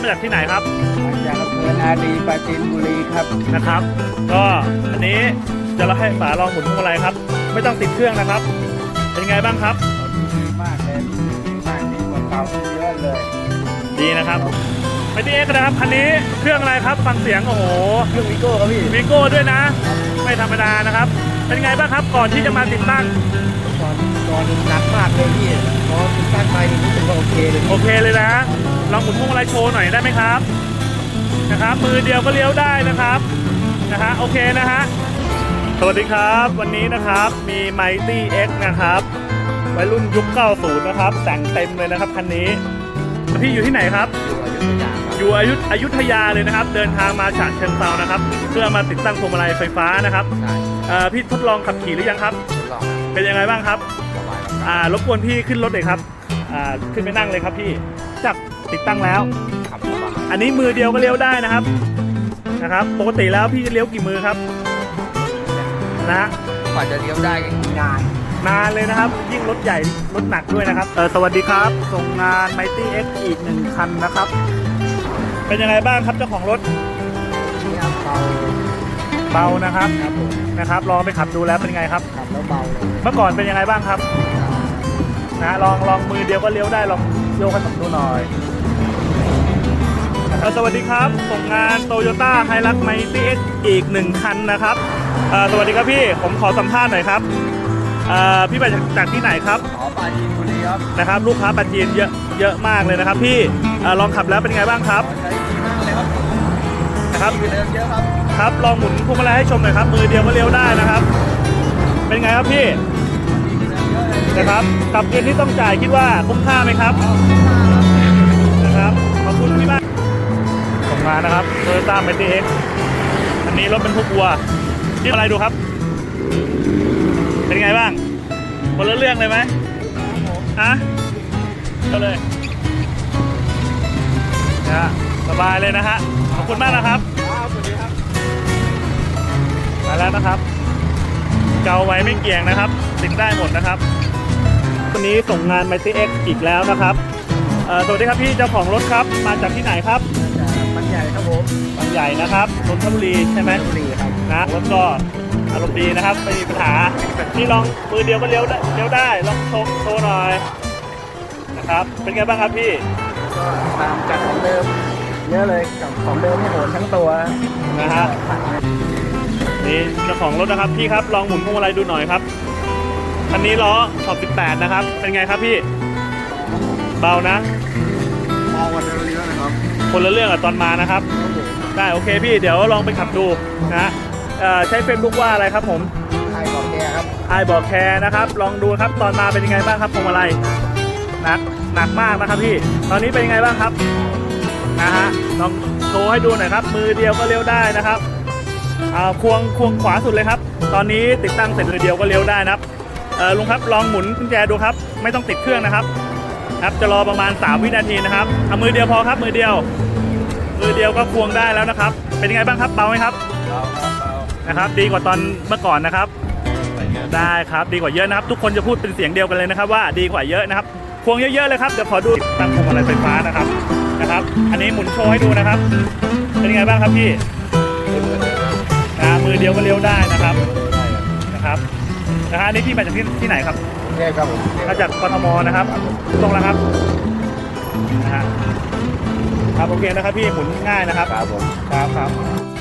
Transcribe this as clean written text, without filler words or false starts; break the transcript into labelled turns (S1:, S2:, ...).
S1: มาจากที่ไหนครับ
S2: มาจากอำเภอนาดีปราจีนบุรีครับ
S1: นะครับก็อันนี้จะเราให้ป๋าลองหมุนพวงมาลัยครับไม่ต้องติดเครื่องนะครับเป็นไงบ้างครับ
S2: ดีมากเลยดีมากดีกว่าเก่าเยอะเลย
S1: ดีนะครับไปที่เอ็กซ์นะครับคันนี้เครื่องอะไรครับฟังเสียงโอ้โห
S2: เครื่องวีโก้ครับพี่
S1: วีโก้ด้วยนะไม่ธรรมดานะครับเป็นไงบ้างครับก่อนที่จะมาติดตั้ง
S2: ก่อนหนักมากเลยพี่พอติดตั้งไปรู้สึกว่าโอเค
S1: เลยนะลองหมุนพวงมาลัยโชว์หน่อยได้ไหมครับนะครับมือเดียวก็เลี้ยวได้นะครับโอเคนะฮะสวัสดีครับวันนี้นะครับมี Mighty X นะครับวัยรุ่นยุค 90 นะครับแต่งเต็มเลยนะครับคันนี้พี่อยู่ที่ไหนครับอยู่อยุธยาเลยนะครับเดินทางมาฉะเชิงเทรานะครับเพื่อมาติดตั้งพวงมาลัยไฟฟ้านะครับพี่ทดลองขับขี่หรือยังครับเป็นยังไงบ้างครับรบกวนพี่ขึ้นรถเลยครับขึ้นไปนั่งเลยครับพี่จับติดตั้งแล้วอันนี้มือเดียวก็เลี้ยวได้นะครับปกติแล้วพี่จะเลี้ยวกี่มือครับนะ
S2: กว่าจะเลี้ยวได้
S1: นานเลยนะครับยิ่งรถใหญ่รถหนักด้วยนะครับสวัสดีครับส่งงาน Mighty X อีก1คันนะครับเป็นยังไงบ้างครับเจ้าของรถเบานะครับลองไปขับดูแล้วเป็นไงครับ
S2: ขับแล้วเบาเลย
S1: เมื่อก่อนเป็นยังไงบ้างครับลองมือเดียวก็เลี้ยวได้ลองโยกให้ผมดูหน่อยสวัสดีครับส่งงาน Toyota Hilux Mighty X อีก1คันนะครับสวัสดีครับพี่ผมขอสัมภาษณ์หน่อยครับพี่มาจากที่ไหนครับ
S2: ปราจีนบุรีครับ
S1: นะครับลูกค้าปราจีนเยอะมากเลยนะครับพี่ลองขับแล้วเป็นไงบ้างครับ
S2: ใช้ดีมากเลยครับ
S1: นะครับ
S2: เดินเยอะครับ
S1: ครับลองหมุนพวงมาลัยให้ชมหน่อยครับมือเดียวก็เลี้ยวได้นะครับเป็นไงครับพี่นะครับกับเงินที่ต้องจ่ายคิดว่าคุ้มค่าไหมครับนะครับขอบคุณพี่มากส่งมานะครับ Toyota Mighty X อันนี้รถบรรทุกวัวที่อะไรดูครับเป็นไงบ้างคนละเรื่องเลยไหมก็เลยนะสบายเลยนะฮะขอบคุณมากนะครับ
S2: สวัสดีครับ
S1: มาแล้วนะครับเกาไว้ไม่เกี่ยงนะครับติดได้หมดนะครับวันนี้ส่งงาน Mighty X อีกแล้วนะครับสวัสดีครับพี่เจ้าของรถครับมาจากที่ไหนครับ
S2: บางใหญ่ครับผม
S1: บางใหญ่นะครับนนทบุรีใช่ไหม
S2: นนทบุรีครับ
S1: นะรถก็อารมณ์ดีนะครับไม่มีปัญหาพี่ลองมือเดียวก็เลี้ยวได้ลองโชว์หน่อยนะครับเป็นไงบ้างครับพี่
S2: ก็ตามจากของเดิมเยอะเลยกับของเดิมให้โหนทั้งตัว
S1: นะฮะนี่เจ้าของรถนะครับพี่ครับลองหมุนพวงมาลัยดูหน่อยครับคันนี้ล้อขอบ18นะครับเป็นไงครับพี่เบานะ
S2: คนละเรื่องนะครับ
S1: คนละเรื่องกับตอนมานะครับได้โอเคพี่เดี๋ยวลองไปขับดูนะใช้เฟซบุ๊กว่าอะไรครับผม
S2: ไอบอกแคร์ครับ
S1: ไอบอกแคร์นะครับลองดูครับตอนมาเป็นยังไงบ้างครับพวงมาลัยหนักมากนะครับพี่ตอนนี้เป็นยังไงบ้างครับนะฮะลองโชว์ให้ดูหน่อยครับมือเดียวก็เลี้ยวได้นะครับควงขวาสุดเลยครับตอนนี้ติดตั้งเสร็จมือเดียวก็เลี้ยวได้นะครับลุงครับลองหมุนกุญแจดูครับไม่ต้องติดเครื่องนะครับจะรอประมาณ3วินาทีนะครับเอามือเดียวพอครับมือเดียวก็ควงได้แล้วนะครับเป็นยังไงบ้างครับเบาไหมครับ
S2: เบา
S1: นะครับดีกว่าตอนเมื่อก่อนนะครับได้ครับดีกว่าเยอะนะครับทุกคนจะพูดเป็นเสียงเดียวกันเลยนะครับว่าดีกว่าเยอะนะครับควงเยอะๆเลยครับเดี๋ยวขอดูตั้งพวงมาลัยไฟฟ้านะครับอันนี้หมุนโชว์ให้ดูนะครับเป็นยังไงบ้างครับพี่มือเดียวก็เลี้ยวได้นะครับนี่พี่มาจากที่ไหนครับ
S2: ครับผม
S1: มาจากกทมนะครับตรงแล้วครับครับโอเคนะครับพี่หมุนง่ายนะครับ
S2: ครับผม
S1: ครับ